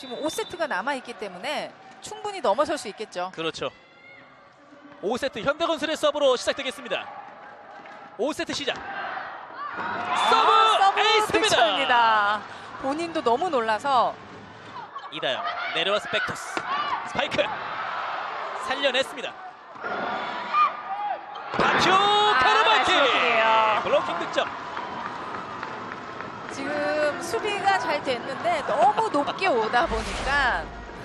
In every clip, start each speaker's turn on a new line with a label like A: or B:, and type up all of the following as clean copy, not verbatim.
A: 지금 5세트가 남아있기 때문에 충분히 넘어설 수 있겠죠.
B: 그렇죠. 5세트 현대건설의 서브로 시작되겠습니다. 5세트 시작. 서브 에이스입니다.
A: 득점입니다. 본인도 너무 놀라서
B: 이다영 내려와서 백토스 스파이크 살려냈습니다. 박효 카르마키 블로킹 득점.
A: 지금 수비가 잘 됐는데 너무 높게 오다 보니까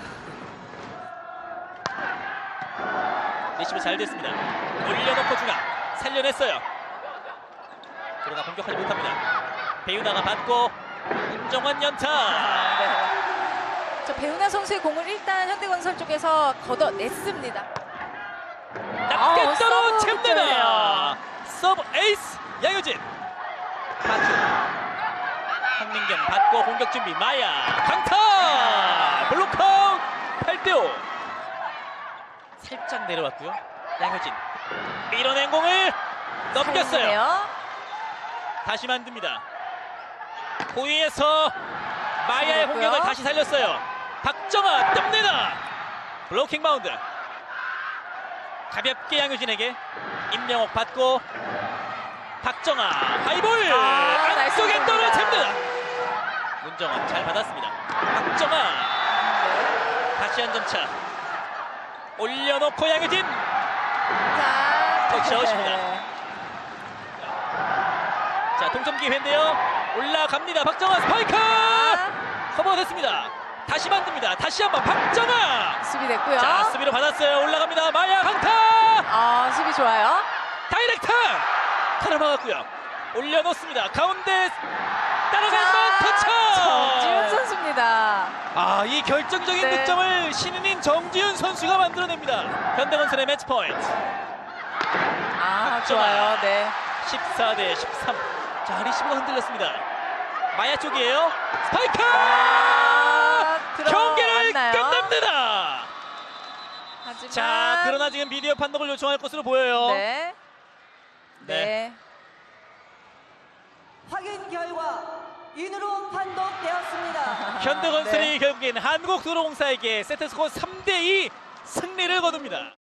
B: 리시브 잘 됐습니다. 올려놓고 중앙 살려냈어요. 그러나 공격하지 못합니다. 배우나가 받고 윤정환 연타.
A: 저 배우나 선수의 공을 일단 현대건설 쪽에서 걷어냈습니다.
B: 낮게 떨어
A: 서브
B: 챔내다. 서브 에이스 양효진. 박효 황민경 받고 공격 준비. 마야 강타 블록아웃. 8대5. 살짝 내려왔고요. 양효진 밀어낸 공을 넘겼어요.
A: 살리네요.
B: 다시 만듭니다. 호위에서 마야의
A: 그랬고요.
B: 공격을 다시 살렸어요. 박정아 뜹니다. 블로킹 바운드. 가볍게 양효진에게 임명옥 받고 박정아 하이볼 안쪽에
A: 나이스
B: 떨어집니다. 문정원 잘 받았습니다. 박정아 다시 한 점 차. 올려놓고 양효진
A: 자,
B: 터치아웃입니다. 자, 동점 기회인데요. 올라갑니다. 박정아 스파이크 커버됐습니다. 다시 만듭니다. 다시 한번 박정아.
A: 수비 됐고요.
B: 자, 수비로 받았어요. 올라갑니다. 마야 강타.
A: 수비 좋아요.
B: 다이렉트 하나 막았고요. 올려놓습니다. 가운데 따라가는 터치.
A: 정지훈 선수입니다.
B: 이 결정적인
A: 네.
B: 득점을 신인인 정지훈 선수가 만들어냅니다. 현대건설의 매치 포인트.
A: 좋아요. 네.
B: 14대 13. 자, 리시브가 흔들렸습니다. 마야 쪽이에요. 스파이크! 경기를
A: 들어왔나요?
B: 끝냅니다.
A: 하지만
B: 자, 그러나 지금 비디오 판독을 요청할 것으로 보여요.
A: 네. 네.
C: 확인 결과 인으로 판독되었습니다.
B: 현대건설이
A: 네.
B: 결국엔 한국도로공사에게 세트스코어 3대2 승리를 거둡니다.